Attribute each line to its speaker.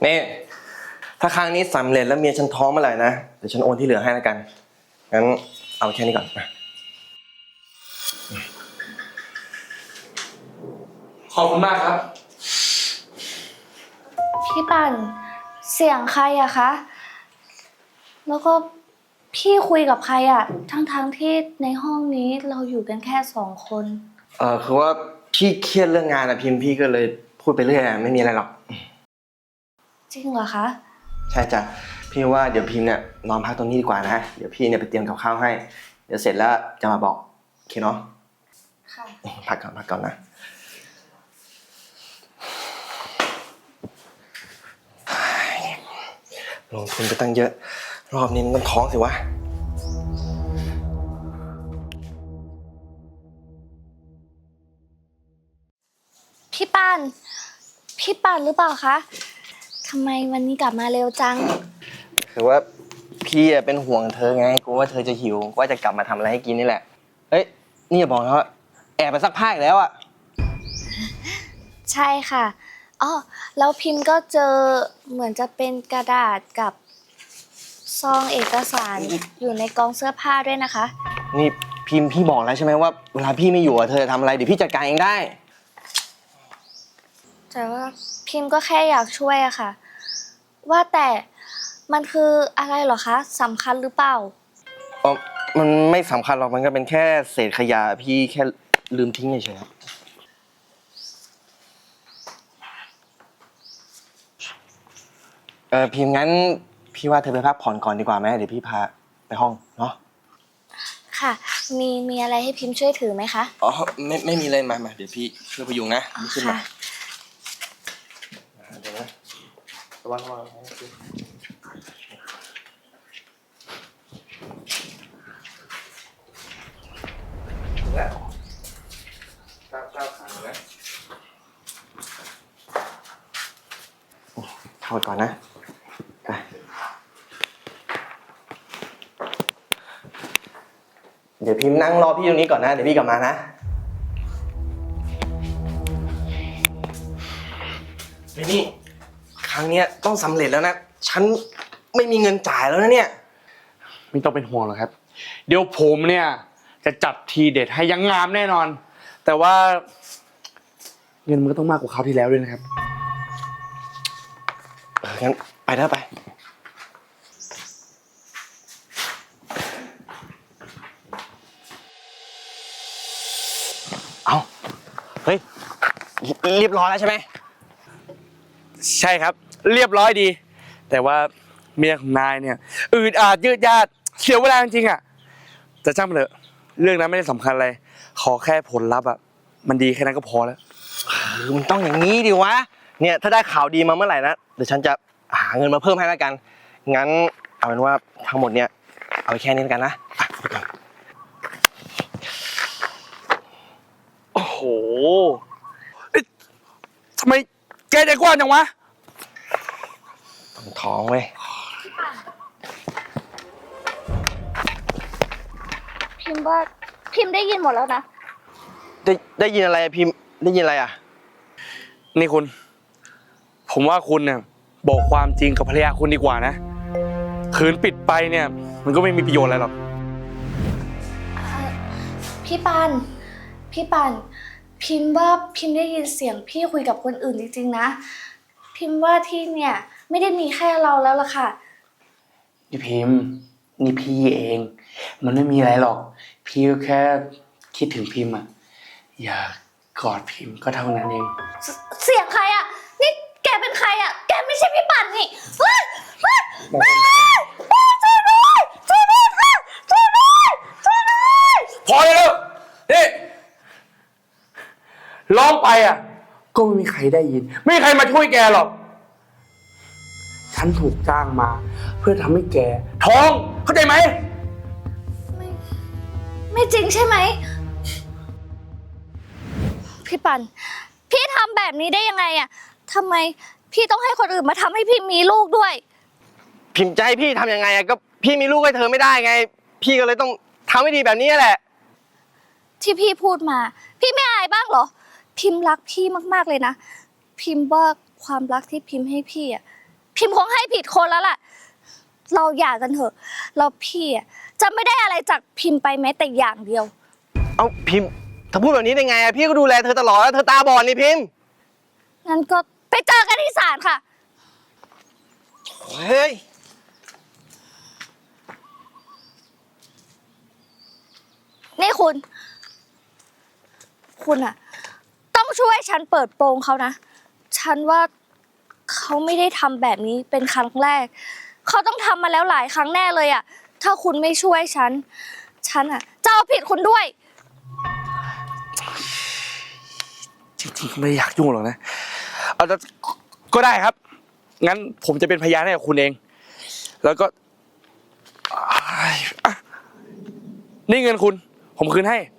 Speaker 1: นี่ถ้าครั้งนี้สำเร็จแล้วเมียฉันท้องเมื่อไหร่นะเดี๋ยวฉันโอนที่เหลือให้แล้วกันงั้นเอาแค่นี้ก่อนนะ
Speaker 2: ขอบคุณมากครับ
Speaker 3: พี่ปั่นเสียงใครอะคะแล้วก็พี่คุยกับใครอะทั้งที่ในห้องนี้เราอยู่กันแค่2 คน
Speaker 1: คือว่าพี่เครียดเรื่องงานนะพิมพ์พี่ก็เลยพูดไปเรื่อยไม่มีอะไรหรอก
Speaker 3: จริงเหรอคะ
Speaker 1: ใช่จ้ะพี่ว่าเดี๋ยวพิมพ์เนี่ยนอนพักตรงนี้ดีกว่านะเดี๋ยวพี่เนี่ยไปเตรียมกับข้าวให้เดี๋ยวเสร็จแล้วจะมาบอกโอเคเนาะ
Speaker 3: ค่ะ
Speaker 1: พักก่อนนะลงทุนไปตั้งเยอะรอบนี้มันต้องท้องสิวะ
Speaker 3: พี่ปั่นหรือเปล่าคะทำไมวันนี้กลับมาเร็วจัง
Speaker 1: คือว่าพี่เป็นห่วงเธอไงกลัวว่าเธอจะหิวว่าจะกลับมาทำอะไรให้กินนี่แหละเอ้ยนี่อย่าบอกนะว่าแอบไปซักผ้าอีกแล้วอ่ะ
Speaker 3: ใช่ค่ะอ๋อแล้วพิมพ์ก็เจอเหมือนจะเป็นกระดาษกับซองเอกสารอยู่ในกองเสื้อผ้าด้วยนะคะ
Speaker 1: นี่พิมพ์พี่บอกแล้วใช่ไหมว่าเวลาพี่ไม่อยู่เธอจะทำอะไรเดี๋ยวพี่จัดการเองได้
Speaker 3: แต่ว่าพิมพ์ก็แค่อยากช่วยอะค่ะว่าแต่มันคืออะไรเหรอคะสำคัญหรือเปล่า
Speaker 1: อ๋อมันไม่สำคัญหรอกมันก็เป็นแค่เศษขยะพี่แค่ลืมทิ้งเฉยๆพิมพ์งั้นพี่ว่าเธอไปพักผ่อนก่อนดีกว่าไหมเดี๋ยวพี่พาไปห้องเนาะ
Speaker 3: ค่ะมีอะไรให้พิมพ์ช่วยถือไหมคะ
Speaker 1: อ๋อไม่มีเลยมาเดี๋ยวพี่ช่วยพยุงนะขึ้นมาเดี๋ยวนะระวังแล้วก้าวขานะเข้าก่อนนะไปเดี๋ยวพิมพ์นั่งรอพี่ตรงนี้ก่อนนะเดี๋ยวพี่กลับมานะนี่ครั้งนี้ต้องสำเร็จแล้วนะฉันไม่มีเงินจ่ายแล้วนะเนี่ย
Speaker 2: ไม่ต้องเป็นห่วงหรอกครับเดี๋ยวผมเนี่ยจะจัดทีเด็ดให้ยังงามแน่นอนแต่ว่าเงินมันก็ต้องมากกว่าคราวที่แล้วด้วยนะครับ
Speaker 1: งั้นไปเถอะไปเอาเฮ้ยเรียบร้อยแล้วใช่ไหม
Speaker 2: ใช่ครับเรียบร้อยดีแต่ว่าเมียของนายเนี่ยอืดอาดยืดยาดเสียเวลาจริงๆอ่ะแต่ช่างมันเถอะเรื่องนั้นไม่ได้สำคัญอะไรขอแค่ผลลัพธ์อ่ะมันดีแค่นั้นก็พอแล้ว
Speaker 1: มันต้องอย่างนี้ดิวะเนี่ยถ้าได้ข่าวดีมาเมื่อไหร่นะเดี๋ยวฉันจะหาเงินมาเพิ่มให้แล้วกันงั้นเอาเป็นว่าทั้งหมดเนี่ยเอาไปแค่นี้แล้วกันนะ
Speaker 2: โอ้โหทำไมแกใจกว้างจังวะ
Speaker 1: ต้องท้องเว้ย
Speaker 3: พิมพ์ว่าพิมพ์ได้ยินหมดแล้วนะ
Speaker 1: ได้ยินอะไรพิมพ์ได้ยินอะไรอ่ะ
Speaker 2: นี่คุณผมว่าคุณเนี่ยบอกความจริงกับภรรยาคุณดีกว่านะขืนปิดไปเนี่ยมันก็ไม่มีประโยชน์อะไรหรอก
Speaker 3: พี่ปานพิมพ์ว่าพิมพ์ได้ยินเสียงพี่คุยกับคนอื่นจริงๆนะพิมพ์ว่าที่เนี่ยไม่ได้มีแค่เราแล้วล่ะค่ะ
Speaker 2: พี่พิมพ์นี่พี่เองมันไม่มีอะไรหรอกพี่แค่คิดถึงพิมพ์อ่ะอยากกอดพิมพ์ก็เท่านั้นเอง
Speaker 3: เสียงใครอ่ะนี่แกเป็นใครอ่ะแกไม่ใช่พี่ปั่นนี่เฮ้ยช่วยด้วยช่วยด้วยค่ะช่วยด้วย
Speaker 2: พอแล้วนี่ร้องไปอ่ะก็ไม่มีใครได้ยินไม่มีใครมาช่วยแกหรอกฉันถูกจ้างมาเพื่อทำให้แกท้องเข้าใจไหม
Speaker 3: ไม่จริงใช่ไหมพี่ปั่นพี่ทำแบบนี้ได้ยังไงอ่ะทำไมพี่ต้องให้คนอื่นมาทำให้พี่มีลูกด้วย
Speaker 1: พิมพ์ใจพี่ทำยังไงอะก็พี่มีลูกให้เธอไม่ได้ไงพี่ก็เลยต้องทำให้ดีแบบนี้แหละ
Speaker 3: ที่พี่พูดมาพี่ไม่อายบ้างเหรอพิมพ์รักพี่มากๆเลยนะพิมพ์ว่าความรักที่พิมพ์ให้พี่อ่ะพิมพ์คงให้ผิดคนแล้วล่ะ เราหย่ากันเถอะแล้วพี่อะจะไม่ได้อะไรจากพิมพ์ไปแม้แต่อย่างเดียว
Speaker 1: เอ้าพิมพ์เธอพูดแบบนี้ได้ไงอะพี่ก็ดูแลเธอตลอดแล้วเธอตาบอดนี่พิมพ์
Speaker 3: งั้นก็ไปเจอกันที่ศาลค่ะ
Speaker 1: เฮ้ย
Speaker 3: นี่คุณอะต้องช่วยฉันเปิดโปงเขานะ ฉันว่าเขาไม่ได้ทำแบบนี้เป็นครั้งแรก เขาต้องทำมาแล้วหลายครั้งแน่เลยอะถ้าคุณไม่ช่วยฉันอะจะเอาผิดคุณด้วย
Speaker 2: จริงๆไม่อยากยุ่งหรอกนะเอาแต่ก็ได้ครับ งั้นผมจะเป็นพยานให้กับคุณเอง แล้วก็อ่ะนี่เงินคุณ ผมคืนให้